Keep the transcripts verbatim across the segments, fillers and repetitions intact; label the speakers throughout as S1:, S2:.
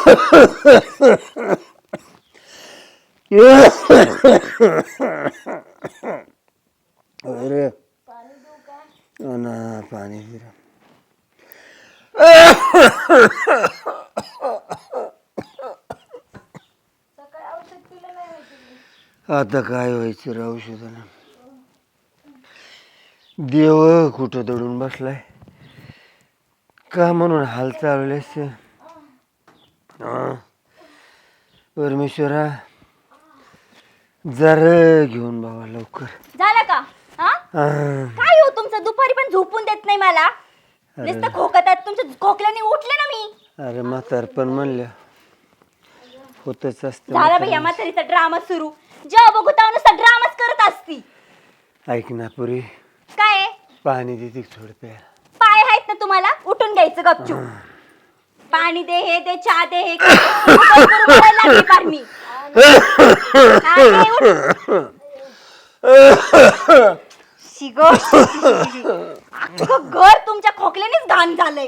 S1: अरे ना पाणी पिरा. आता काय व्हायचं रे औषधानं. देव कुठं दडून बसलाय का म्हणून हाल चालवले असते. परमेश्वरा जरा घेऊन बाबा लवकर.
S2: झालं का? हा काय हो तुमचं दुपारी पण झोपून देत नाही मला. नुसतं खोकतात तुमच्या खोकल्याने उठले ना मी.
S1: अरे म्हातार पण म्हणल्या होतच असतं.
S2: झाला भैया म्हातारीचा ड्रामा सुरू. जेव्हा बघू तेव्हा नुसता ड्रामाच करत असती.
S1: ऐक ना पुरी
S2: काय
S1: पाणी देते थोडं प्यायला.
S2: पाय आहेत ना तुम्हाला उठून घ्यायचं गपचूप. पाणी दे हे दे चहा दे हे लागली पार मी. हा, दे, उठ. शिगो अख्खं घर तुमच्या खोकल्यानेच घाण झालंय.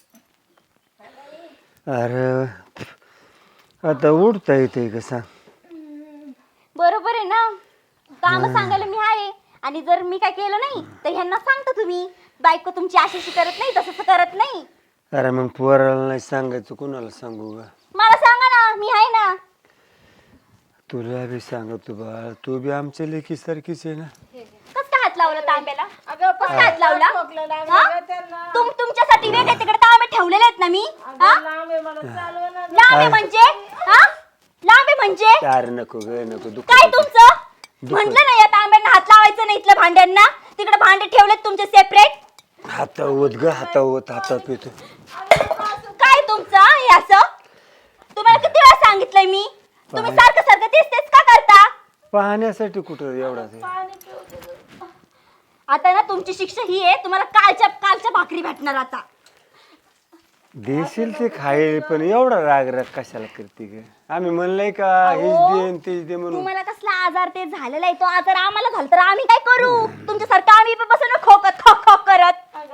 S1: अरे आता उठता येते का सांग.
S2: बरोबर आहे ना. काम सांगायला मी आहे आणि जर मी काय केलं नाही तर ह्यांना सांगता तुम्ही बायको तुमची अशी करत नाही तसं करत नाही.
S1: अरे मग पोराला नाही सांगायचं कोणाला सांगू ग.
S2: मला सांगा ना मी आहे ना.
S1: तुला बी सांगतो बाळ तू बी आमच्या लेकी सारखीच आहे ना.
S2: कस काय हात लावला तांब्याला? कस काय हात लावला? तुम तुमच्यासाठी वेगळे तिकडे तांबे ठेवलेले आहेत ना मी. लांबे म्हणजे हा लांबे म्हणजे
S1: अरे नको ग नको दुख.
S2: काय तुमचं म्हटलं ना या तांब्यांना हात लावायचं नाही इथल्या भांड्यांना. तिकडे भांडे ठेवलेत तुमचे सेपरेट.
S1: हातावत ग हातावत हातात पितो.
S2: काय तुमचं हे असं? तुम्हाला किती वेळा सांगितलंय मी. तुम्ही सारखं सारखं तेच तेच का करता?
S1: पाहण्यासाठी कुठं एवढा ते.
S2: आता ना तुमची शिक्षा ही आहे तुम्हाला कालच्या कालच्या भाकरी भेटणार आता.
S1: देशील ते खाईल पण एवढा राग राग कशाला करते ग. आम्ही म्हणलंय का हेच दे तेच दे म्हणून.
S2: तुम्हाला कसला आजार ते झालेला आहे तो आजार आम्हाला झाला तर आम्ही काय करू? तुमच्यासारखं आम्ही बसून खोकत खोक खोक करत.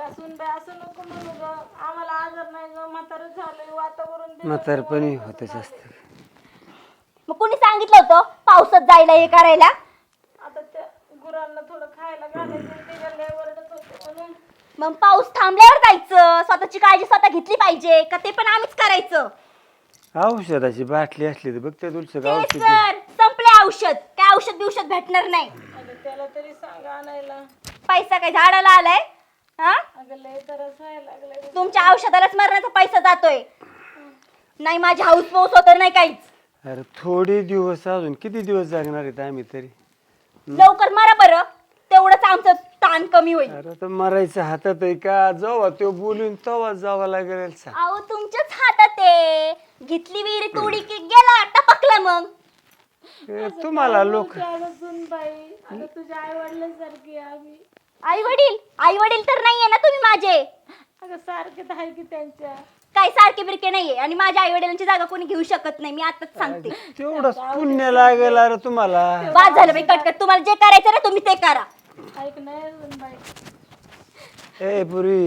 S1: म्हातारपणी होतच असतं.
S2: मग कोणी सांगितलं होतं पावसात जायला हे करायला?
S3: आता त्या गुरांना थोडं खायला घालायचं ते ओरडत होते म्हणून.
S2: मग पाऊस थांबल्यावर जायचं. स्वतःची काळजी स्वतः घेतली पाहिजे का ते पण आम्हीच करायचं?
S1: औषधाची बाटली असली तर बघ त्या तुलचं
S2: ते
S1: औषध
S2: सर संपले औषध. काय औषध बिवषध भेटणार नाही.
S3: अगं त्याला तरी सांगा आणायला.
S2: पैसा काय झाडाला आलाय? हा
S3: अगं लय तरच व्हायला लागलंय.
S2: तुमच्या औषधालाच मरण्याचा पैसा जातोय. नाही माझी हाऊस पाऊस होत नाही काहीच.
S1: अरे थोडे दिवस अजून किती दिवस जागणार आहेत आम्ही तरी.
S2: लवकर मरा बरं तेवढंच आमचं ताण कमी होईल.
S1: अरे तर मरायचं हातात आहे का जेव्हा तो बोलून तेव्हा जावं लागेल.
S2: अहो तुमच्याच हातात आहे. घेतली विहिरी तोडी की गेला टपकला. मग
S1: तुम्हाला लोक
S3: बाई अगं तुझ्या आई वडिलांसारखी आम्ही.
S2: आई वडील आई वडील तर नाहीये ना तुम्ही माझे.
S3: अगं सारखेच आहे की त्यांच्या.
S2: काही सारखे बिरके नाहीये आणि माझ्या आई वडिलांची जागा कोणी घेऊ शकत नाही. मी आताच सांगते.
S1: तेवढंच पुण्य लागेल अरे तुम्हाला.
S2: बाद झालं बाई कटकट. तुम्हाला जे करायचं ना तुम्ही ते करा.
S3: ऐक नाही बाई.
S1: ए पुरी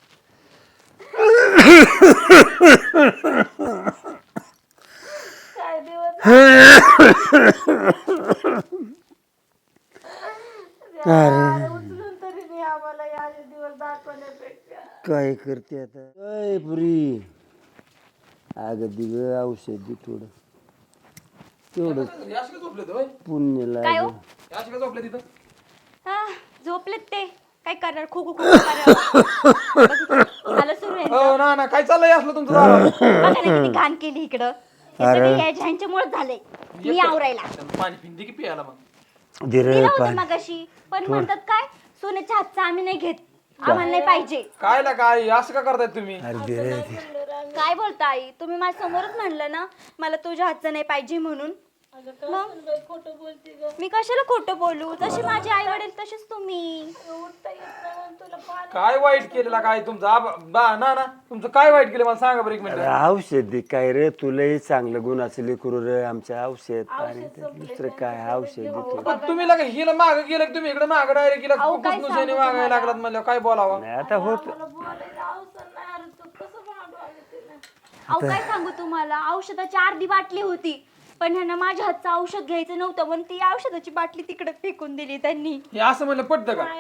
S3: काय दिवस उचलून तरी नाही आम्हाला या दिवस दाखवण्यापेक्षा.
S1: काय करते आता काय पुरी. अगं दिग औषध दे थोडं तेवढं पुण्य
S2: काय हो?
S1: लागेल.
S2: हा, झोपलेत ते काय करणार खो खो खो झालं सुरू आहे.
S4: हो ना ना काय चाललंय असलं तुमचं.
S2: बघा ना किती घाण केली इकडं. हे सगळं ह्यांच्यामुळे झालंय. मी आवरायला
S4: पाणी पिंदी की पियाला मग.
S2: दिलं होतं मगाशी पण म्हणतात काय सोन्याच्या हातचं आम्ही नाही घेत. आम्हाला नाही पाहिजे.
S4: काय ला काय असं का करताय तुम्ही.
S2: काय बोलता आई तुम्ही माझ्या समोरच म्हणलं ना मला तुझ्या हातचं नाही पाहिजे म्हणून.
S3: खोटं बोलते ग.
S2: मी कशाला खोटं बोलू. जशी माझे आई वडील तसेच तुम्ही.
S3: उठता येत नाही म्हणून तुला पाणी.
S4: काय वाईट केलेला काय तुमचं आबा- बा ना ना तुमचं काय वाईट केलं मला सांगा बरं एक मिनिट.
S1: औषध दे काय रे तुलाही चांगलं गुणाचं लेकरू रे. आमच्या औषध पाणी दुसरं काय औषध देतो.
S4: पण तुम्ही लगे हिला माग गेलं की तुम्ही इकडे माग डायरेक्ट गेला कुसनुसाने मागायला लागलात म्हणलं काय बोलावं.
S1: आता होत
S3: मला बोलायला अवसर नाही. अरे तू कसं भांडू आलं तिला.
S2: अहो काय सांगू तुम्हाला, औषधाची अर्धी बाटली होती पण ह्यांना माझ्या हातचं औषध घ्यायचं नव्हतं म्हणून ती औषधाची बाटली तिकडे फेकून दिली त्यांनी.
S4: हे असं म्हणलं पटतं का?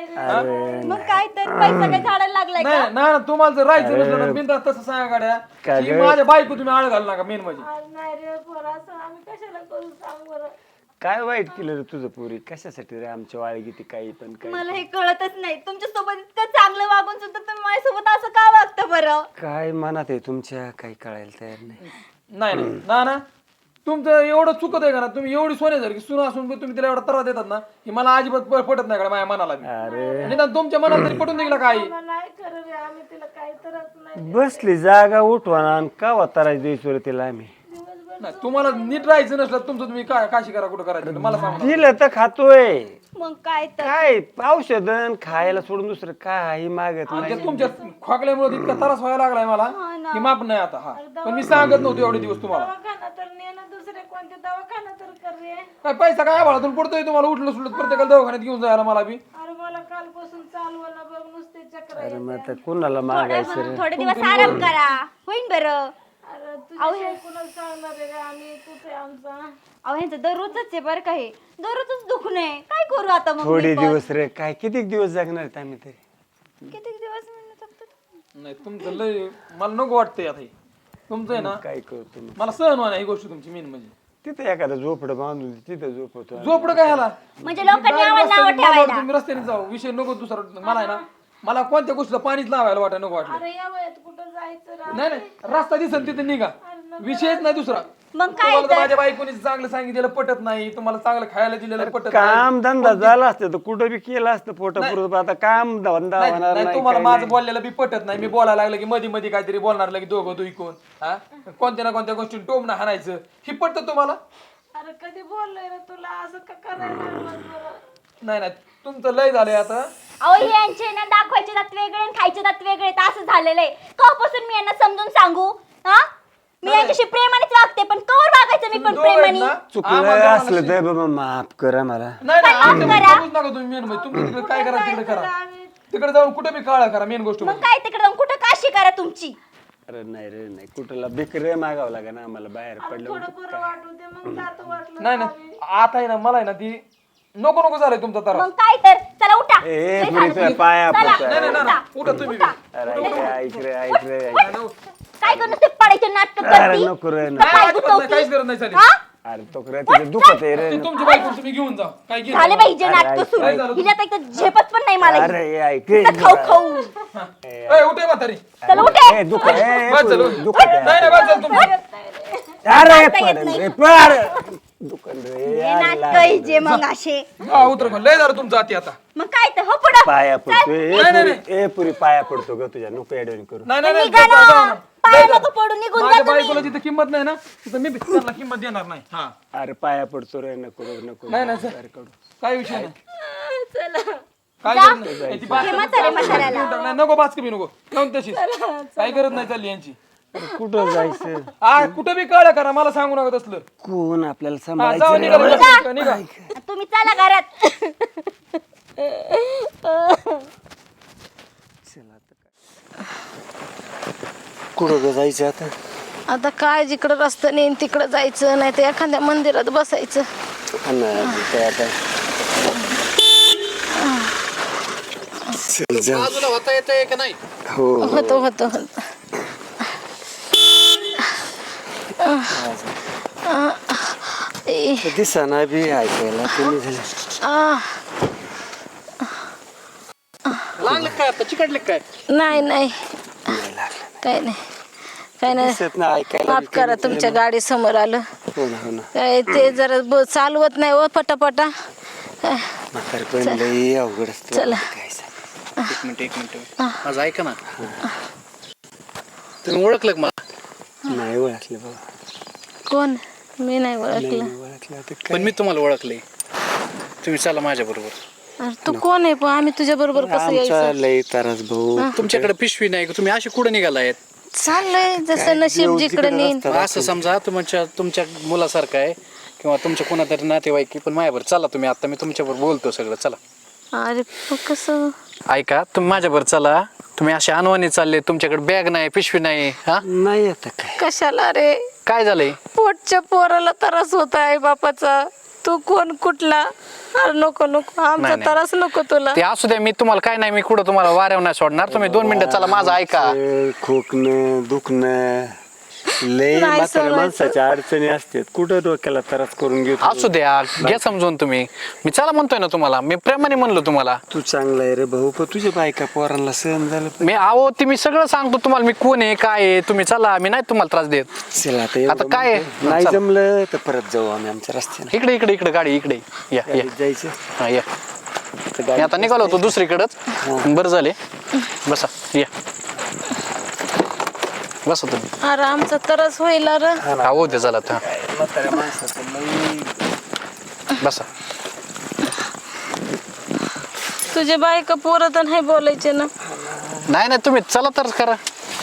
S2: मग काय तर पैसा काय झाडाला लागलाय का?
S4: नाही ना, तुम्हाला जर राहायचं नसलं ना बिनधास्त तसं सांगा गाड्या
S1: काय
S4: की
S1: गं?
S4: माझ्या बायको तुम्ही आळ घालू नका मेन म्हणजे.
S3: आज नाही रे पोरा, असं आम्ही कशाला करू सांग बरं.
S1: काय वाईट केलं रे तुझं पुरी? कशासाठी रे आमच्या वाळी किती काही पण काय
S2: मला हे कळतच नाही, तुमच्या सोबत इतकं चांगलं वागून सुद्धा तुम्ही माझ्यासोबत असं का वागता बरं?
S1: काय मनात आहे तुमच्या? काही कळायला तयार नाही.
S4: नाही नाही ना ना तुमचं एवढं चुकत आहे का ना, तुम्ही एवढी सोन्यासारखी सुना असून पण तुम्ही तिला एवढा त्रास देतात ना, की मला अजिबात प- पटत नाही का माझ्या मनाला बी.
S1: अरे
S4: निदान तुमच्या मनाला तरी पटून दिला काही.
S3: आम्हाला नाही खरं रे, आम्ही तिला काही तरच नाही.
S1: बसली जागा उठवा आणि का वातारायची द्यायचो रे तिला आम्ही?
S4: नाही, तुम्हाला नीट राहायचं नसलं तुमचं तुम्ही काय काशी करा कुठं करायचं मला सांगा.
S1: दिलं तर खातोय.
S2: मग काय तर
S1: काय औषधन खायला सोडून दुसरं काही मागत नाही.
S4: ते तुमच्या खोकल्यामुळे इतका त्रास व्हायला लागलाय मला की माप नाही आता. हा पण मी सांगत नव्हतो एवढे दिवस तुम्हाला.
S3: दवाखाना तर नेणं, दुसरे कोणते दवाखाना तर कर रे.
S4: काय पैसा काय आभाळातून पडतोय तुम्हाला उठलं सुटलं प्रत्येकाला दवाखान्यात घेऊन जायला मला बी.
S3: अरे मला कालपासून चालू ना बघ, नुसते चक्र
S1: अरे
S3: येते.
S1: मग आता कुणाला मागायचं रे?
S2: थोडे दिवस आराम करा, होईन बरं.
S3: अरे तुझ्या कुणाला सांगणार आहे रे आम्ही, तुझे आमचा.
S2: अहो ह्यांचं दररोजच आहे बरं का, हे दररोजच दुखणं आहे. काय करू आता मग?
S1: थोडे
S2: मी पण?
S1: दिवस रे, काय किती दिवस जगणार आहेत आम्ही तरी?
S2: किती दिवस म्हणलं फक्त?
S4: नाही तुमचं लय मला नको वाटतंय आता हे. तुमचं आहे ना
S1: काय करतो मग?
S4: मला सहन व्हा ही गोष्ट तुमची मेन म्हणजे.
S1: तिथे एखादा झोपडं बांधून तिथं झोपवतो.
S4: झोपडं काय ह्याला
S2: म्हणजे लोकांनी आम्हाला नाव
S4: रस्त्याने- मला
S2: ठेवायला.
S4: तुम्ही रस्त्याने जाऊ विषय नको दुसरा. मला आहे ना मला कोणत्या गोष्टीला पाणीच लावायला वाटाय नको वाटलं.
S3: अरे या वयात कुठं जायचं रे?
S4: नाही नाही रस्ता दिसन तिथे निघा, विषयच नाही दुसरा.
S2: मग काय
S4: तुम्हाला तर
S2: तर?
S4: माझ्या बायकोनी चांगलं सांगितलेलं पटत नाही, तुम्हाला चांगलं खायला दिलेलं पटत नाही.
S1: काम धंदा झाला असतं तर कुठं बी केलं असतं पोटापुरत. आता काम धंदा
S4: नाही,
S1: होणार
S4: नाही,
S1: नाही
S4: तुम्हाला
S1: काय
S4: माझं
S1: नाही.
S4: बोललेलं बी पटत नाही. मी बोलायला लागलं की मध्ये मध्ये काहीतरी बोलणार लगे दोघं दुई कोण हा कोणत्या ना कोणत्या गोष्टी टोमणं हाणायचं ही पटत तुम्हाला?
S3: अरे कधी बोललोय रे तुला असं का करायला लागलं बरं?
S4: नाही नाही तुमचं लय झालंय आता.
S2: अहो हे यांचे ना दाखवायचे दात वेगळे आणि खायचे दात वेगळे आहेत, असं झालेलं आहे. कवापासून मी यांना समजून सांगू? हा मी यांच्याशी प्रेमानेच वागते पण कवर वागायचं मी पण
S4: दोघं आहेत
S2: प्रेमाने?
S4: ना,
S1: चुकलं
S4: आम्हाला
S1: असलं तर बाबा माफ करा मला.
S4: नाही नाही
S2: काय
S4: आमच्या
S2: करा?
S4: मध्ये बघूच नका तुम्ही मेन म्हणजे तुमचं तिकडे काय करा तिकडे करा, तिकडे जाऊन कुठे बी काळा करा मेन गोष्ट
S2: मग
S4: म्हणजे.
S2: काय तिकडे जाऊन कुठं काशी करा तुमची?
S1: अरे नाही रे नाही, कुठला बिकर मागावं लागा ना आम्हाला बाहेर पडलं.
S3: थोडं बरं वाटू दे मग जातो वाटलं.
S4: नाही नाही आता आहे ना मला आहे ना ती नको नको झालंय तुमचा त्रास.
S2: मग काय तर चला उठा.
S1: ए,
S2: लय
S1: पुरी
S2: झालं
S1: तुझ्या
S2: तुम्ही.
S1: पाया
S2: चला,
S1: पडतो.
S4: नाही नाही
S2: उठा.
S4: नाही उठा तुम्ही बी.
S1: अरे ऐक रे, ऐक रे ऐक रे ऐक रे.
S2: काय करू ते पडायचे नाटक
S1: अरे
S2: करती?
S1: नको रे नको.
S4: नाही, अजिबात नाही, काहीच गरज नाही झाली.
S2: हा?
S1: अरे तो करे तिथे दुखत आहे रे.
S4: ती तुमची बायको तुम्ही घेऊन जा काय घेऊन
S2: झाले
S4: जा.
S2: पाहिजे
S1: अरे,
S2: नाटक
S1: ऐक,
S2: सुरू.
S4: काय झालं?
S2: हिला तर इथं झेपत पण नाही मला.
S1: अरे हे ऐक रे.
S2: नुसतं खाऊ खाऊ.
S4: ए, उठे म्हातारी.
S2: चला उठे.
S1: ए, दुख ए,
S4: बस झालं.
S1: दुखत
S4: नाही
S1: आहे.
S4: नाही बस झालं तुमचं.
S1: अरे
S2: येत
S1: पडल
S2: नाही.
S1: रे पड. दुकान रे
S2: हे
S1: यार,
S2: नाटक जे मग असे.
S4: हा उतर पण लय झालं तुमचं आती आता.
S2: मग काय तर हो पुढं.
S1: पाया पडतो ए,
S4: नाही, नाही,
S1: पुरी- ए पुरी पाया पडतो ग तुझ्या नको एडवणी करू.
S4: नाही नाही नाही,
S2: निघा ना.
S4: जाऊ, जाऊ, जाऊ.
S2: पाया
S4: लय झालं.
S2: नको पडू, निघून जा
S4: माझ्या
S2: तुम्ही.
S4: बायकोला जिथं किंमत नाही ना तिथं मी बी त्यांना किंमत देणार नाही. हा
S1: अरे पाया पडतो रे नको रे, नको
S4: नाही नाही
S1: बाहेर काढू.
S4: काय विषय नाही
S3: चला
S4: काय
S2: जा.
S4: गरज नाही. ती बास-
S2: हे म्हातारे म्हाताऱ्याला.
S4: देऊन टाक. नाही, नको बाच कमी नको जाऊन तशीच काही गरज नाही चालली यांची.
S1: अरे कुठं जायचं?
S4: हा कुठं बी कळलं करा मला सांगू नका तसलं.
S1: कोण आपल्याला
S4: हा जाऊ
S1: सांभाळायचं
S4: निघा
S1: रे?
S4: निघा, निघा.
S2: तुम्ही चला घरात.
S1: कुठं ग जायचं आता?
S3: आता काय जिकडं रस्ता नेईन तिकडं जायचं, नाही तर एखाद्या मंदिरात बसायचं.
S1: हा ना, काय आता चल जाऊ.
S5: बाजूला होता येतंय का नाही?
S1: हो
S3: होतो होतो होतो. ए,
S1: दिसाना बी ऐकायला कमी झालं.
S3: आ,
S5: लागले काय आता चिकटले काय?
S3: नाही नाही काय नाही काय नाही.
S1: दिसत ना ऐकायला
S3: माफ
S1: बी
S3: करा
S1: कमी
S3: तुमच्या गाडी समोर आलं.
S1: हो ना हो ना.
S3: काय ते जरा ब- चालवत नाही हो पटापटा. काय,
S1: म्हातारपण लई अवघड असतं.
S3: चला.
S1: काय सांग.
S5: एक मिनिट एक मिनिट माझं ऐका ना. तुम्ही ओळखलं का मला?
S1: नाही ओळखलं बाबा.
S3: कोण? मी नाही
S1: नाही
S3: ओळखलं.
S1: ओळखलं आता
S5: पण
S1: काय.
S5: मी तुम्हाला ओळखले. तुम्ही चला माझ्या बरोबर.
S3: अरे तू कोण आहे पण आम्ही तुझ्या बरोबर कसं
S1: आमचा
S3: यायचं?
S1: लई तारास भाऊ.
S5: तुमच्याकडे पिशवी नाही का? तुम्ही असे कुठे निघालायत?
S3: चाललंय जसं नशीब
S1: देव
S3: जिकडे
S1: जिकडे
S3: नेईन.
S1: रस्ता
S5: असं समजा तुमच्या तुमच्या मुलासारखं आहे किंवा तुमच्या कोणातरी नातेवाईक पण माझ्यावर चला तुम्ही. आता मी तुमच्याबरोबर बोलतो सगळं चला.
S3: अरे पण कसं?
S5: ऐका तुम्ही माझ्याबरोबर चला. तुम्ही असे अनवाणी चालले, तुमच्याकडे बॅग नाही, पिशवी नाही. हा
S1: नाही आता काय
S3: कशाला रे?
S5: काय झालंय?
S3: पोटच्या पोराला त्रास होत आहे बापाचा. तू कोण कुठला? अरे नको नको,
S5: नाही,
S3: आमचा
S5: नाही.
S3: त्रास नको तुला.
S5: ते असू द्या, मी तुम्हाला काय नाही, मी कुठं तुम्हाला वाऱ्यावर नाही सोडणार. तुम्ही दोन मिनिटं चला, माझं ऐका.
S1: ते खोकणं दुखणं लय
S3: नाही
S1: म्हाताऱ्या
S3: सोडायचं.
S1: माणसाच्या अडचणी असतात. कुठं डोक्याला त्रास करून घेतो.
S5: असू द्या, घ्या समजून तुम्ही. मी चला म्हणतोय ना तुम्हाला, मी प्रेमाने म्हणलो तुम्हाला.
S1: तू चांगला आहे रे भाऊ, पण तुझ्या बायका पोरांना सहन झालं पाहिजे.
S5: मी आहो ती मी सगळं सांगतो तुम्हाला, मी कोण आहे काय आहे. तुम्ही चला, मी नाही तुम्हाला त्रास देत.
S1: चला आता एवढं
S5: आता काय आहे?
S1: म्हणतोय. नाही
S5: चला.
S1: जमलं तर परत जाऊ आम्ही आमच्या रस्त्याने.
S5: इकडे इकडे इकडे गाडी इकडे या या
S1: जायचं
S5: हा या.
S1: तर
S5: मी
S1: गाडी
S5: आता निघालो होतो दुसरीकडंच. बरं झाले, बसा या, बसा तुम्ही.
S3: अरे आमचा त्रास होईल रे.
S5: हा हो ते झालं हा
S1: म्हाताऱ्या माणसाचं लई
S5: बसा.
S3: तुझे बायका पोरं तर नाही बोलायचे ना.
S5: नाही नाही तुम्ही चला तर करा.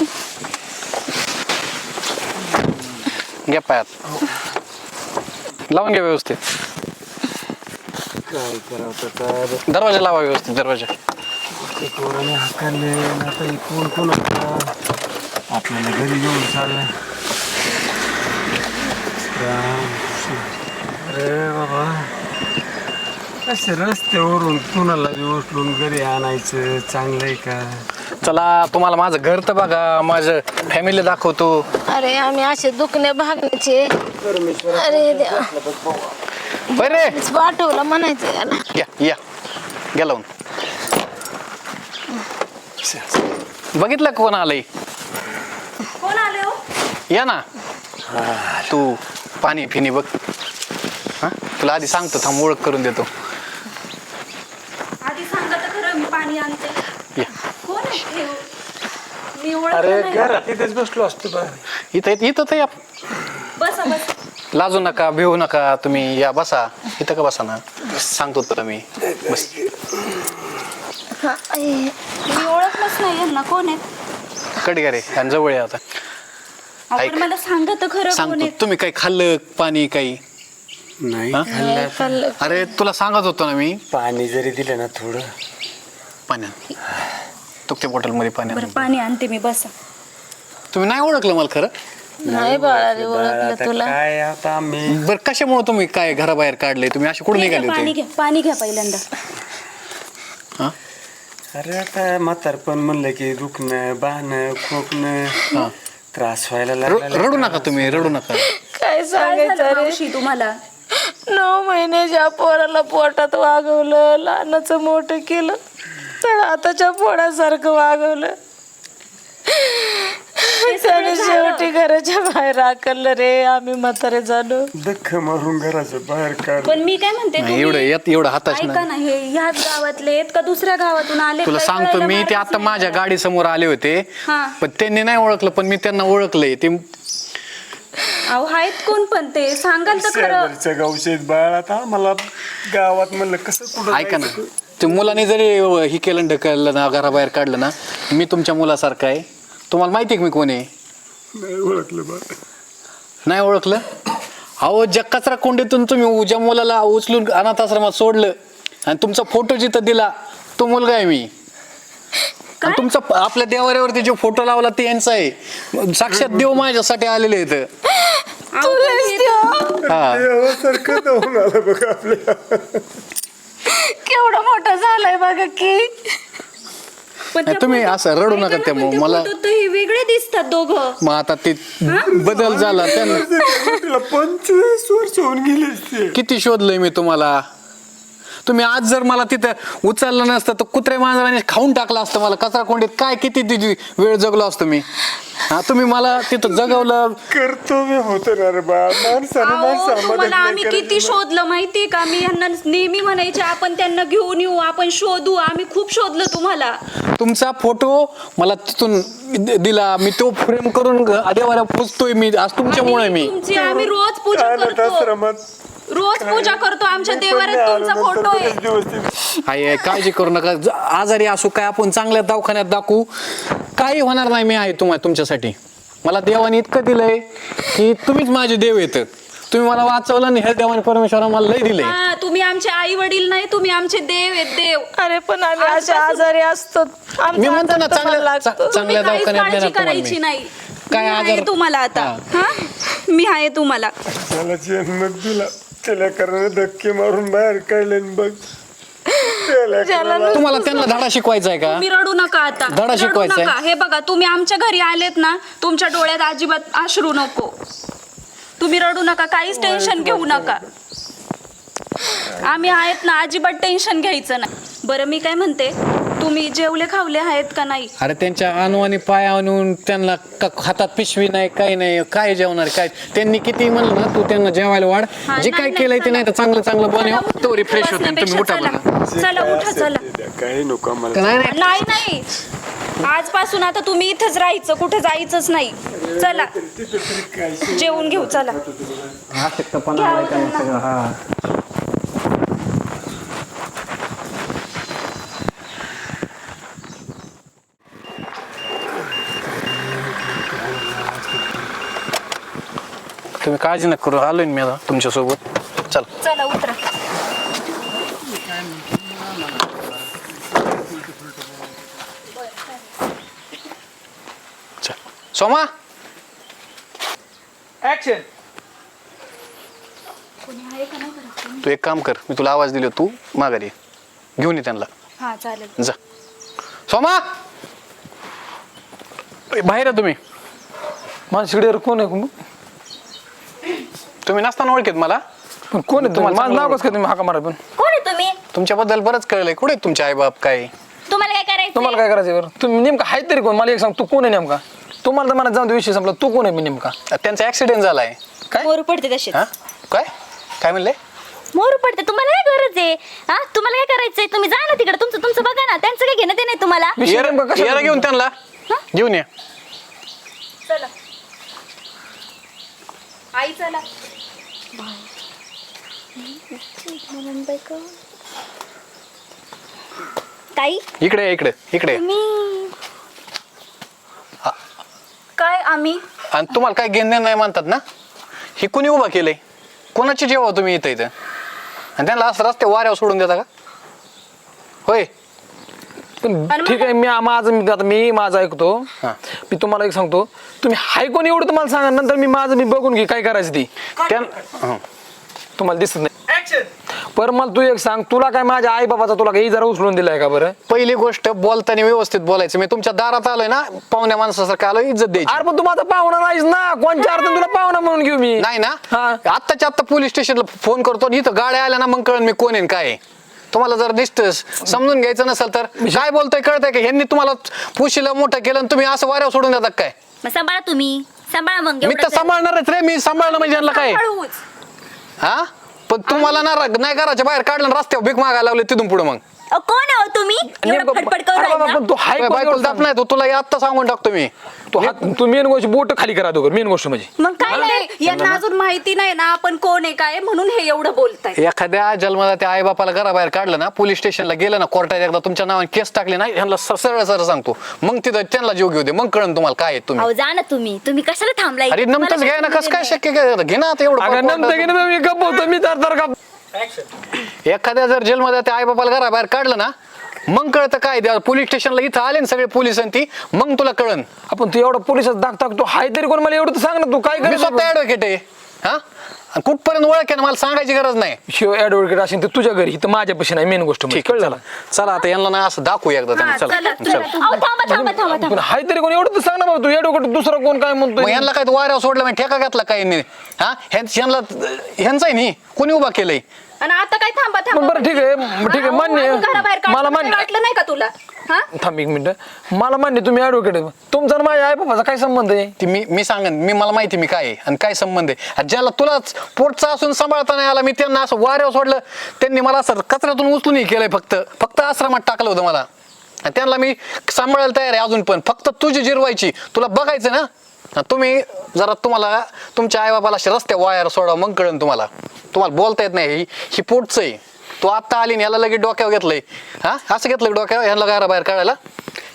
S5: घ्या पायात, लावून घ्या व्यवस्थित.
S1: काय करावं तर
S5: दरवाजा लावा व्यवस्थित, दरवाजा.
S1: ते पोराने हाकाले आता हे कोण कोण होता आपल्याला घरी घेऊन चाललंय. अरे बाबा, असे रस्त्यावरून कुणाला बी उचलून घरी आणायचं चांगलंय का?
S5: चला, तुम्हाला माझं घर तर बघा, माझं फॅमिली दाखवतो.
S3: अरे आम्ही असे दुखणे भागण्याचे. अरे देवा.
S5: बरे
S3: पाठवलं म्हणायचं याला.
S5: या या घ्या लावून. बघितलं कोण आलंय?
S2: कोण आले हो?
S5: या ना. तू पाणी फिनी बघ. हा तुला आधी सांगतो, थांब ओळख करून देतो.
S2: आधी सांगा तर खरं, मी पाणी आणते.
S5: या
S2: कोण आहे हे? मी
S1: अरे
S2: ओळखलं नाही.
S1: घरात इथेच बसलो असतो बा.
S5: इथं इथं तर या.
S2: बसा बस.
S5: लाजू नका, भिवू नका, तुम्ही या बसा. इथं का बसा ना, सांगतो तुला मी. बस.
S3: हा, आई.
S2: मी ओळखलंच नाही यांना, कोण आहेत?
S5: कडी रे आणि जवळ या आता.
S2: आपण
S5: ऐक.
S2: मला सांगा तर खरं, कोण
S5: सांगतो,
S2: आहेत?
S5: तुम्ही काही खाल्लं पाणी काही?
S1: नाही
S5: हा?
S1: खाल्लं.
S3: खाल्लं.
S5: अरे तुला सांगत होतो ना मी.
S1: पाणी जरी दिलं ना थोडं.
S5: पाण्यात तुकत्या बॉटलमध्ये पाण्यात.
S2: बरं पाणी आणते मी, बसा.
S5: तुम्ही नाही ओळखलं मला खरं?
S3: नाही बाळा रे,
S1: बाळा,
S3: ओळखलं
S1: आता
S3: तुला.
S1: काय आता आम्ही
S5: बरं कशामुळे तुम्ही काय घराबाहेर काढले? तुम्ही असे कुठे निघाले
S2: पाणी
S5: होते?
S2: घ्या, पाणी घ्या पहिल्यांदा.
S5: हा?
S1: अरे आता म्हातारपण म्हणलं की दुखणं बाहणं खोकणं त्रास व्हायला
S5: र-
S1: लागला.
S5: रडू नका तुम्ही, रडू नका.
S3: काय
S2: काय
S3: सांगायचं
S2: झालं
S3: रे?
S2: मावशी तुम्हाला?
S3: नऊ महिन्याच्या पोराला पोटात वागवलं, लहानाचं मोठं केलं, तर आताच्या पोरासारखं वागवलं. त्याने शेवटी घराच्या बाहेर आकललं रे. आम्ही म्हातारे झालो.
S1: दख मारून घराच्या बाहेर काढ.
S2: पण मी काय म्हणते,
S5: नाही, एवढं
S2: तुम्ही
S5: यात एवढं हाताच
S2: ऐका
S5: नाही.
S2: ना, हे ह्याच गावातले आहेत का दुसऱ्या गावातून आले?
S5: तुला
S2: काही
S5: सांगतो
S2: कळायला
S5: मी, ते
S2: मार्गच
S5: आता
S2: नाही
S5: माझ्या
S2: मला.
S5: गाडी समोर आले होते,
S2: हा.
S5: पण त्यांनी नाही ओळखलं, पण मी त्यांना ओळखलंय. ते
S2: अहो आहेत कोण पण ते, सांगाल तर खरं.
S1: शेजारच्या गावशेत बाळ आता मला गावात म्हणलं कसं कुठं
S5: ऐका ना,
S1: जायचं?
S5: ते मुलाने जरी ही केलं ढकललं ना, घराबाहेर काढलं ना, मी तुमच्या मुलासारखा आहे. तुम्हाला माहिती आहे की मी कोण आहे?
S1: नाही ओळखलं बा.
S5: नाही ओळखलं? अहो ज्या कचरा कोंडीतून तुम्ही ज्या मुलाला उचलून अनाथ आश्रमात सोडलं आणि तुमचा फोटो जिथं दिला, तो मुलगा आहे मी. आणि तुमचा आपल्या देवाऱ्यावरती जो फोटो लावला ते यांचा आहे. साक्षात देव माझ्यासाठी आलेले आहेत.
S2: अहो, पण हे-
S5: हा
S1: देवासारखं जाऊन आलं बघा आपल्या.
S3: केवढं मोठं झालंय बघा की.
S2: पण
S5: नाही,
S2: त्या
S5: तुम्ही
S2: फोटो-
S5: असं रडू
S2: ऐका
S5: नका
S2: ना,
S5: त्या
S2: पण त्या
S5: मला.
S2: फोटोत तर हे वेगळे दिसतात दोघं.
S5: मग आता ते बदल झाला त्यांना.
S1: तिला पंचवीस वर्ष होऊन गेले असते.
S5: किती शोधलंय मी तुम्हाला. तुम्ही आज जर मला तिथं उचललं नसतं तर कुत्रे मांजराने खाऊन टाकलं असतं मला कचरा कोंडीत. काय किती तिची वेळ जगलो असतो मी. हा तुम्ही मला तिथं जगवलं.
S1: कर्तव्य होतं ना रे बा. माणसाने
S2: अहो,
S1: माणसाला
S2: तुम्हाला
S1: मदत नाही
S2: आम्ही
S1: करायची
S2: किती
S1: ना.
S2: शोधलं माहितीये का? मी यांना नेहमी म्हणायचे आपण त्यांना घेऊन येऊ, आपण शोधू. आम्ही खूप शोधलं तुम्हाला.
S5: तुमचा फोटो मला तिथून दि- दिला. मी तो फ्रेम करून देवाला पुजतोय मी आज तुमच्यामुळे.
S2: आणि
S5: मी
S2: तुमची आम्ही रोज पूजा
S1: अनाथ
S2: करतो,
S1: आश्रमात
S2: रोज पूजा करतो. आमच्या देवाऱ्यात तुमचा फोटो आहे.
S5: आई आई, काळजी करू नका. ज- आजारी असू काय आपण चांगल्या दवाखान्यात दाखवू, काही होणार नाही. मी आहे तुम्हाला तुमच्यासाठी. मला देवाने इतकं दिलंय की तुम्हीच माझे देव येत. तुम्ही मला वाचवलं आणि हे देवाने परमेश्वरा मला लय दिले.
S6: हा, तुम्ही आमचे आई वडील नाही, तुम्ही आमचे देव आहेत, देव.
S3: अरे पण आम्ही असे आजारी असतो. आमचा
S5: मी म्हणतो ना
S3: हातात तुम्हाला
S5: चांगल्या
S3: लागतो.
S5: चा- चांगल्या
S6: तुम्ही काहीच
S5: दवाखान्यात
S6: काळजी
S5: नेणार तुम्हाला
S6: करायची
S5: मी.
S6: नाही.
S5: काय
S6: मी आहे
S5: आजार-
S6: तुम्हाला आता.
S5: हा.
S6: हा मी आहे तुम्हाला.
S1: त्याला जन्म दिला त्याला कारण धक्के मारून बाहेर काढले न बघ त्याला करायला-
S5: तुम्हाला त्यांना धडा शिकवायचा आहे का?
S6: तुम्ही रडू नका आता.
S5: धडा
S6: रडू
S5: शिकवायचा आहे.
S6: नका. हे बघा, तुम्ही आमच्या घरी आलेत ना, तुमच्या डोळ्यात अजिबात अश्रू नको. तुम्ही रडू नका, काहीच टेन्शन घेऊ नका. आम्ही आहेत ना, अजिबात टेन्शन घ्यायचं नाही. बरं मी काय म्हणते, तुम्ही जेवले खावले आहेत का नाही?
S5: अरे त्यांच्या अणू आणि पाय आणून त्यांना क- हातात पिशवी नाही काही नाही काय जेवणार काय त्यांनी किती म्हणलं ना तू त्यांना जेवायला वाढ
S6: हा,
S5: जे
S6: नाही,
S5: काय
S6: नाही,
S5: केलंय ते
S6: चला.
S5: नाही तर चांगलं चांगलं बनव तो रिफ्रेश होते तुम्ही
S6: बसण्यापेक्षा
S5: उठा
S6: चला.
S5: बघा
S6: चला उठा चला.
S1: काही नको मला
S5: नाही नाही
S6: नाही नाही, आजपासून आता तुम्ही इथंच राहायचं, कुठे जायचंच नाही. चला जेवून घेऊ. चला
S5: तुम्ही काळजी नका करू आलोय ना मी आता तुमच्यासोबत चल
S6: चला उतरा.
S5: चल सोमा
S4: ऍक्शन.
S5: तू एक काम कर मी तुला आवाज दिलो तू माघारी ये. घेऊन ये त्यांना
S6: हा चालेल.
S5: जा सोमा ए, बाहेर आहे तुम्ही
S4: माझ्या शिडीवर कोण आहे?
S5: तुम्ही नसताना ओळखीत मला
S4: पण कोण आहे?
S5: तुम्हाला
S4: माझं नाव
S5: चांगलं
S4: कसं काय तुम्ही हाका मारा? पण
S2: कोण आहे तुम्ही?
S5: तुमच्याबद्दल बरंच कळलंय कुठे आहेत तुमचे आई बाप काय
S2: तुम्हाला काय करायचं?
S4: तुम्हाला काय करायचं बरं? तुम्ही नेमका आहे तरी कोण? मला एक सांग, तू कोण आहे नेमका? तुम्हाला तर मला जाऊन दे, विषय संपला. तू कोण आहे मी नेमका?
S5: त्यांचा ऍक्सिडेंट झालाय
S4: काय?
S2: मोरू पडते तसे.
S5: हा काय काय म्हणले
S2: मोरू पडते. तुम्हाला काय गरज आहे? हा तुम्हाला काय करायचंय? तुम्ही जा ना तिकडे, तुमचं तुमचं बघा ना. त्यांचं काय घेणं ते नाही तुम्हाला.
S4: विषय
S5: येरा
S4: नेमका कशाला?
S5: येरा घेऊन त्यांना घेऊन ये
S6: चला आई चला.
S2: ताई
S5: इकडे ये, इकडे इकडे ये.
S2: तुम्ही
S6: काय आम्ही
S5: आणि तुम्हाला काय घेणं नाही म्हणतात ना हे कुणी उभा केलंय कोणाची जेव्हा तुम्ही इथं इथं आणि त्यांना असं रस्ते वाऱ्यावर सोडून देता का होय
S4: पण ठीक आहे, मी माझं मी आता मी माझं ऐकतो.
S5: हा.
S4: मी तुम्हाला एक सांगतो, तुम्ही हाय कोण एवढं तुम्हाला सांगा, नंतर मी माझं मी बघून घे काय करायचं ती.
S5: त्यां हं.
S4: तुम्हाला दिसत नाही. पर मला तू एक सांग, तुला काय माझ्या आई बाबाचा तुला काही जरा उचलून दिलाय का बरं?
S5: पहिली गोष्ट बोलताना व्यवस्थित बोलायचं मी तुमच्या दारात आलोय ना पाहुण्या माणसासारखं आलोय इज्जत द्यायची
S4: अरे पण तू माझा पाहुणा नाहीस ना, कोणच्या अर्थाने तुला पाहुणा म्हणून घेऊ मी?
S5: नाही ना
S4: हा.
S5: आत्ताच्या आत्ता पोलीस स्टेशनला फोन करतो आणि इथं गाड्या आल्या ना मग कळण मी कोण आहे आणि काय आहे. तुम्हाला जर दिसतं समजून घ्यायचं नसेल तर काय बोलतोय कळतंय का ह्यांनी तुम्हाला पुशीला मोठं केलं आणि तुम्ही असं वाऱ्यावर सोडून देतात काय
S2: मग सांभाळा तुम्ही, सांभाळा मग.
S5: मी
S2: एवढं
S5: तर
S2: जर-
S5: सांभाळणारच रे मी सांभाळणं म्हणजे यांना काय
S6: हळूच.
S5: हा पण तुम्हाला ना नाही घराच्या बाहेर काढलं आणि रस्त्यावर भीक मागायला लावले तिथून पुढे मग
S2: अ, कोण आहे हो तुम्ही? एवढं
S4: नेमकं-
S2: फडफड करू
S4: अरे बाबा,
S2: राहिला?
S4: पण तू हाय कोण
S5: बायकोला
S4: एवढं
S5: दाप
S4: सांग.
S5: नाही तो तुला हे आत्ता सांगून टाकतो मी
S4: तू हात तू मेन गोष्ट बोट खाली करा दोघं, मेन गोष्ट म्हणजे
S2: मग काय नाही.
S6: नाही, यांना अजून माहिती नाही ना आपण कोण आहे काय, म्हणून हे एवढं बोलताय.
S5: एखाद्या जन्माला त्या आई बापाला घराबाहेर काढलं ना पोलीस स्टेशनला गेलं ना कोर्टात एकदा तुमच्या नावाने केस टाकले ना ह्यांना स- सरळ सरळ सांगतो मग तिथं त्यांना जीव घेऊ दे मग कळण तुम्हाला काय आहे तुम्ही
S2: अहो जा ना तुम्ही. तुम्ही कशाला थांबलाय?
S5: अरे नमतच
S2: तुम्हाला
S5: घ्या ना कसं काय
S2: नाही.
S5: शक्य काय घे ना आता एवढं
S4: अगं
S5: पार
S4: नंतर की
S5: कोर्टात.
S4: नाही मी गप्प होतो, मी तर तर गप्प.
S5: एखाद्या जर जेलमध्ये त्या आई बापाला घराबाहेर काढलं ना मग कळतं काय द्या पोलीस स्टेशनला इथं आले ना सगळे पोलीस आणि ती मग तुला कळन
S4: आपण तू एवढा पोलिसात दाग टाकतो, हाय तरी कोण मला एवढं तर सांग ना, तू काय
S5: मी
S4: करायचं?
S5: स्वतः ऍडव्होकेट आहे हा आणि कुठपर्यंत ओळख आहे ना मला सांगायची गरज नाही
S4: शिव ऍडव्होकेट असेल तर तुझ्या घरी, तर माझ्यापाशी नाही, मेन गोष्ट म्हणजे.
S5: ठीक आहे
S4: कळलं
S5: चला चला आता यांना ना असं दाखवू एकदा त्यांना
S6: हा,
S5: चला
S6: चला,
S5: चला
S2: अहो थांबा थांबा थांबा थांबा.
S4: पण हाय तरी कोण एवढं तर सांग ना बाबा, तू ऍडव्होकेट दुसरा कोण काय
S5: मग
S4: म्हणतोय?
S5: यांना काय वाऱ्यावर सोडलं म्हणजे ठेका घातला काय यांनी हा ह्यां- ह्यांना ह्यांचा आहे नी कोणी उभा केलंय
S6: आणि आता काय थांबा थांबा
S4: मग बरं ठीक आहे मग ठीक आहे, मान्य आहे.
S6: घराबाहेर
S4: मला
S6: मला
S4: मान्य
S6: वाटलं नाही का तुला? हा
S4: थांब एक मिनिट, मला मान्य तुम्ही ऍडव्होकेट आहे, तुमचा आणि माझ्या आई बाबाचा काय संबंध आहे?
S5: ती मी मी सांगन मी मला माहिती मी काय आहे आणि काय संबंध आहे आणि ज्याला तुलाच पोटचा असून सांभाळता नाही आला मी त्यांना असं वाऱ्यावर सोडलं त्यांनी मला असं कचऱ्यातून उचलून हे केलंय फक्त फक्त आश्रमात टाकलं होतं मला आणि त्यांना मी सांभाळायला तयार आहे अजून पण फक्त तुझी जिरवायची तुला बघायचं ना आणि तुम्ही जरा तुम्हाला तुमच्या आईबापाला असे रस्ते वायर सोडा मग कळेल तुम्हाला तुम्हाला बोलता येत नाही ही ही पोटचं आहे तू आत्ता आली आणि याला लगेच डोक्यावर घेतलंय हा असं घेतलं डोक्यावर ह्याला घरा बाहेर काढायला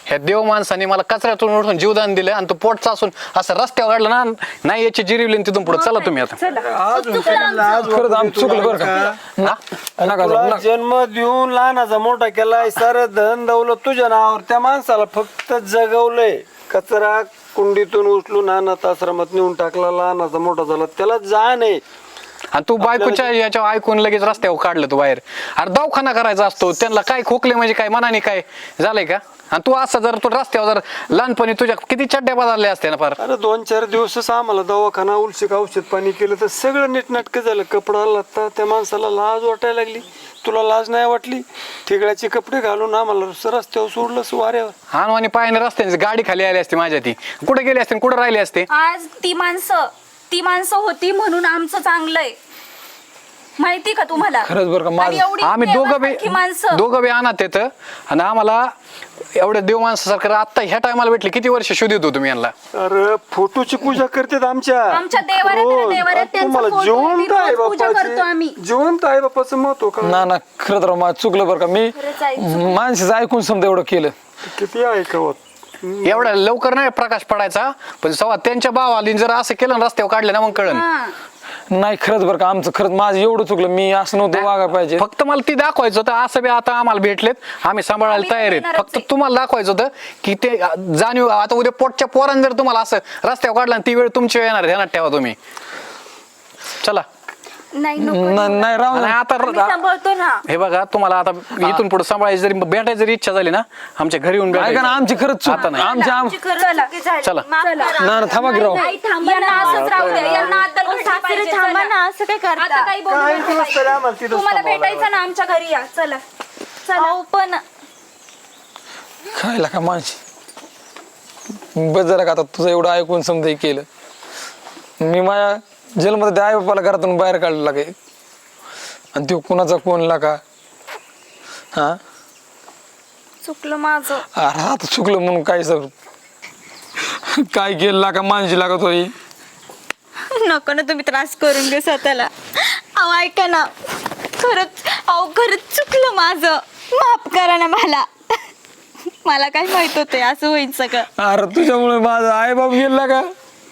S5: ह्या देव माणसाने मला कचऱ्यातून उठून जीवदान दिलं आणि तो पोटचा असून असं रस्त्यावर काढलं ना, नाही याची जिरीवली तिथून पुढे. चला तुम्ही आता.
S1: अजून त्यांना आज
S4: खरंच आमचं चुकलं बरं का.
S5: हा?
S4: नका जाऊ,
S1: तुला
S4: नका.
S1: जन्म देऊन लहानाचा मोठा केलाय, सारं धन दौलत तुझ्या नावावर. त्या माणसाला फक्त जगवलंय, कचरा कुंडीतून उचलून अनाथ आश्रमात नेऊन टाकला, लहानाचा मोठा झाला, त्याला जाण आहे.
S5: आणि तू बायकोच्या याच्या ऐकून लगेच रस्त्यावर काढलं तू बाहेर. अरे दवाखाना करायचा असतो त्यांना, काय खोकले म्हणजे काय मनाने काय झालंय का? आणि तू असं जर तू रस्त्यावर जर लहानपणी तुझ्या किती चड्ड्या बदलल्या असते ना फार.
S1: अरे दोन चार दिवसच आम्हाला दवाखाना उलशिक औषध पाणी केलं तर सगळं नीटनाटकं झालं. कपडा लागता त्या माणसाला लाज वाटायला लागली. तुला लाज नाही वाटली? ठिगळ्याचे कपडे घालून आम्हाला रस्त्यावर सोडलं वाऱ्यावर.
S5: हानवानी पायाने रस्त्याने गाडी खाली आली असते माझ्या, ती कुठे गेली असते कुठे राहिली असते.
S6: आज ती माणसं ती माणसं होती म्हणून आमचं चांगलंय, माहिती का तुम्हाला?
S4: खरंच बरं का, माझं-
S6: आणि एवढी
S5: आम्ही दोघं
S6: प्रेमासारखी
S5: बी
S6: माणसं
S5: दोघं बी अनाथ येतं आणि आम्हाला एवढ्या देव माणसासारखं आता ह्या टायमाला भेटले. किती वर्ष शोधित होतो मी यांना.
S1: अरे फोटोची पूजा करतात आमच्या.
S6: आमच्या देवाऱ्यात आहे ना,
S1: रोज.
S6: देवाऱ्यात त्यांचा
S1: तुम्हाला
S6: फोटो आहे,
S1: जिवंत
S6: रोज
S1: आहे
S6: पूजा करतो आम्ही.
S1: बाप्पाची, जिवंत आहे बाप्पाचं महत्व का?
S4: ना ना खरं तर माझं चुकलं बरं का. मी
S6: खरंच आहे, चुकलं.
S4: माणसाचं ऐकून समजा एवढं केलं.
S1: किती ऐकवत.
S5: एवढ्या लवकर नाही प्रकाश पडायचा, पण सवा त्यांच्या भावाली जर असं केलं ना रस्त्यावर काढलं ना मग कळन.
S6: हा.
S4: नाही खरंच बरं का, आमचं खरंच माझं एवढं चुकलं. मी असं नव्हतं वागायला पाहिजे.
S5: फक्त मला ती दाखवायचं होतं. असं बी आता आम्हाला भेटलेत, आम्ही सांभाळायला
S6: आम्ही
S5: तयार आहेत.
S6: येणारच
S5: फक्त
S6: आहे.
S5: तुम्हाला दाखवायचं होतं की ते जाणीव. आता उद्या पोटच्या पोरांनी जर तुम्हाला असं रस्त्यावर काढलं ती वेळ तुमची वेळ येणार, ध्यानात ठेवा तुम्ही. चला.
S6: नाही नको.
S4: न- नाही राहू
S5: आणि
S4: नये.
S5: आता
S6: आम्ही सांभाळतो ना.
S5: हे बघा, तुम्हाला आता इथून पुढे सांभाळायची जरी भेटायची जरी इच्छा झाली ना, आमच्या घरी येऊन
S4: ऐका ना,
S5: भेटायचं.
S4: आमची खरंच चूक.
S5: आता नाही.
S4: आमची आम
S6: आमची खरंच चुकी झाली.
S5: चला.
S6: माफ करा.
S4: ना ना थांबा की राव.
S2: नाही, थांबा
S6: यांना
S2: ना.
S6: असंच राहू द्या, यांना अद्दल घडली
S2: सासरे
S6: पाहिजे.
S2: थांबा
S6: चला.
S2: ना, असं काय
S6: आता
S2: करता?
S6: काही बोलू
S1: काय
S6: नका
S1: दिवस तरी आम्हाला
S6: बाई.
S1: तिथंच
S6: तुम्हाला
S1: थांबावं
S6: भेटायचं ना आमच्या घरी या. चला चला.
S2: अहो पण
S4: खायला का माणशी बस झालं का. आता तुझं एवढं ऐकून समजा हे केलं. मी माझ्या जेलमध्ये आई बापाला घरातून बाहेर काढलेला काय, आणि तो कुणाचा कोणला का. हा
S6: चुकलं माझं.
S4: अरे आता चुकलं म्हणून काय सर काय केलं का माणशी लागत होई.
S2: नको ना तुम्ही त्रास करून घे स्वतःला. अहो ऐका ना, खरंच अहो खरंच चुकलं माझं, माफ करा ना मला. मला काय माहित होतं असं होईल सगळं.
S4: अरे तुझ्यामुळे माझा आई बाप गेला का.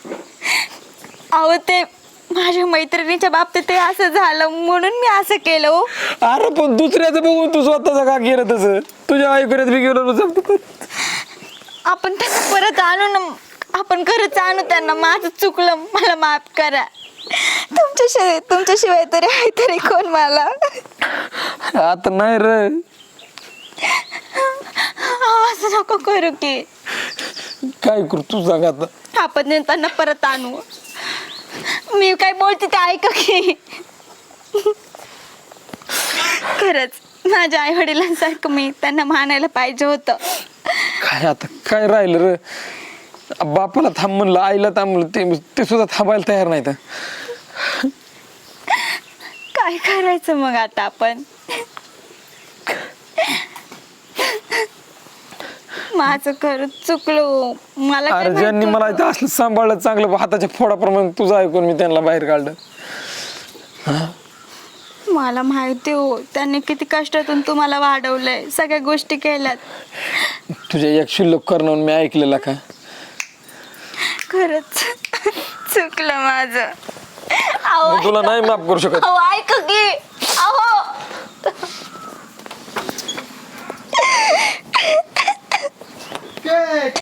S2: अहो ते माझ्या मैत्रिणीच्या बाबतीत ते असं झालं म्हणून मी असं केलं हो.
S4: अरे पण दुसऱ्याचं बघून तू स्वतःच का केलं तसं. तुझ्या ऐकण्यात बी गेलो तुझं.
S2: आपण त्यांना परत आणू ना, आपण खरंच आणू त्यांना. माझं चुकलं, मला माफ करा. तुमच्याशिवाय तुमच्याशिवाय तरी आहे तरी कोण मला.
S4: आता नाही रे.
S2: अहो, असं नको करू की.
S4: काय करू तू सांग आता.
S2: आपण त्यांना परत आणू. मी काय बोलते ते ऐका की. खरंच माझ्या आई वडिलांसारखं मी त्यांना मानायला पाहिजे होतं.
S4: काय आता काय राहिलं रे. बापाला थांब म्हणलं, आईला थांब म्हणलं, ते ते सुद्धा थांबायला तयार नाही तर.
S2: काय करायचं मग आता आपण. माझं खरंच चुकलो. मला काय
S4: अरे
S2: माहित
S4: ज्यांनी मला
S2: होतं.
S4: इथं असलं सांभाळलं चांगलं हाताच्या फोडाप्रमाणे तुझं ऐकून मी त्यांना बाहेर काढलं.
S2: मला माहिती हो, त्यांनी किती कष्टातून तुम्हाला वाढवलंय, सगळ्या गोष्टी केल्यात.
S4: तुझ्या एक शुल्लक करणं मी ऐकलेला का.
S2: खरंच चुकलं माझं. अहो
S4: मी तुला नाही माफ करू शकत.
S2: अहो ऐक की. अहो